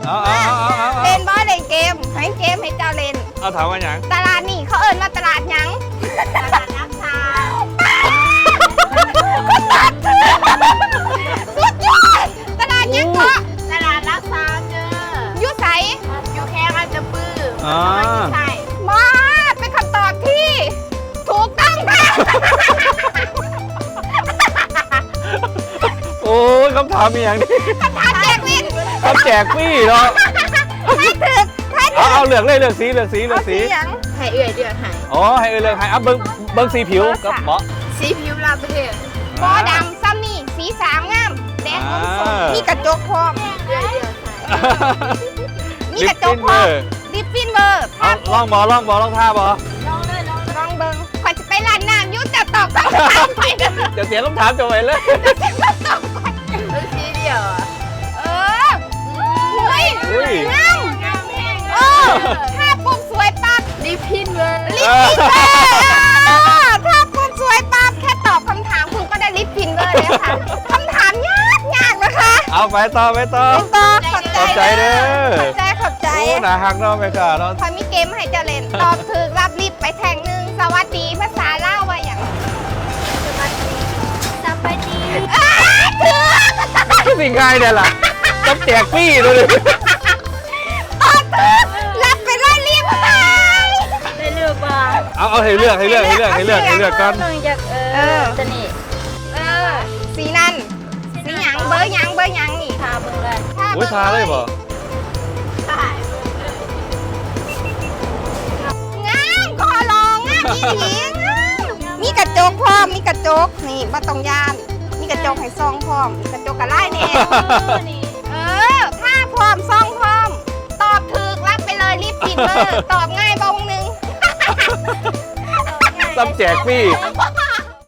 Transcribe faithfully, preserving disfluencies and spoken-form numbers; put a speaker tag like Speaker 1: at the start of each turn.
Speaker 1: เอาเอาเอาเอา
Speaker 2: เล่นบอลเล่นเกมให้เกมให้เจ้าเล่น
Speaker 1: เอาถามว่าอย่าง
Speaker 2: ตลาดนี่เขาเอิ้นว่าตลาดหยังตลาดนักทางสุดยอดตลาดยังเกาะตลาดรักษาเจออยู่ใสอยู่แค่อันจะปื้อ
Speaker 1: อ๋อ
Speaker 2: ใช่มาเป็นคำตอบที่ถูกต้องค่ะ
Speaker 1: โอ้ยคำถามมีอย่างนี้
Speaker 2: คำถามแจกวิน
Speaker 1: คำแจกพี่เนาะ
Speaker 2: ให้ถึกให้ถึ
Speaker 1: เอา
Speaker 2: ก
Speaker 1: เอาเลือกเลยเลือกสีเลือกสีเลือกสี
Speaker 2: หยังให้เอื่อยเดือดให้
Speaker 1: อ๋อให้เออเลือกให้อ่ะเบิ้งเบิ้งสีผิวกับเหมาะ
Speaker 2: สีผิวลาประเทศบอดำซ้ำนี่สีสามงามแดงอมส้มมีกระจกพร้อมเดือดเดือดมีกระจกพร้อมลิปฟินเบอร์
Speaker 1: เอาลองบอลองบอลองท่าบอ
Speaker 2: ลองเลยลองลองเบิ้งขวัญจะไปร้านน้ำยุ่จะตอบคำถามไปเด้อ
Speaker 1: เดี๋ยวเสียงคำถามจะไปเลย
Speaker 2: ดูสีเดียวอ่ะเออเฮ้ย
Speaker 1: อุ้ย
Speaker 2: งามงามแห้งเออถ้าปุ๊บสวยปั๊บลิปฟินเบอร์ลิปฟินเบอร์ถ้าปุ๊บสวยปั๊บแค่ตอบคำถามคุณก็ได้ลิปฟินเบอร์เลยค่ะคำถามยากยากนะคะ
Speaker 1: เอาไปต่อไปต่อ
Speaker 2: ต่อขอบ
Speaker 1: ขอบใจเด้อ
Speaker 2: ขอบใจขอบใจ
Speaker 1: โอ้หนาหักเนาะไม่ค่ะเนาะ
Speaker 2: พอมีเกมให้เจะเล่น ตอบถูกรับลิฟต์ไปแทงหนึ่งสวัสดีภาษาล่าวว่าอย่างสวัสดีสวัสดีอ้าถูก
Speaker 1: สิ่งง่ายเนี่ยล่ะต้องแจกพี่เลย
Speaker 2: ตอบถูกรับไปเลยลิฟต์ไป
Speaker 3: ได้เลือกบ้าง
Speaker 1: เอาเอาให้เลือกให้เลือกให้เลือกให้เลือกให้เลือกกัน
Speaker 3: ต้องจากเอ
Speaker 2: เออ
Speaker 3: อจะนี่
Speaker 2: เออสีนั่นสีหยังเบอร์หยังเบอร์หยังนี่
Speaker 3: ทาเบิ่งเลย
Speaker 1: อุ้ยทาเลยบ่
Speaker 2: งามคอลองงามอีหลีงามมีกระจกพร้อมมีกระจกนี่บ่ต้องยานมีกระจกให้ซองพร้อมมีกระจกกระไล่แน่
Speaker 3: นี่
Speaker 2: เออถ้าพร้อมซองพร้อม ตอบถูกรับไปเลยรีบฟินเบอร์ ตอบง่ายบงหนึ่ง
Speaker 1: ต้องแจกพี่
Speaker 2: ว้า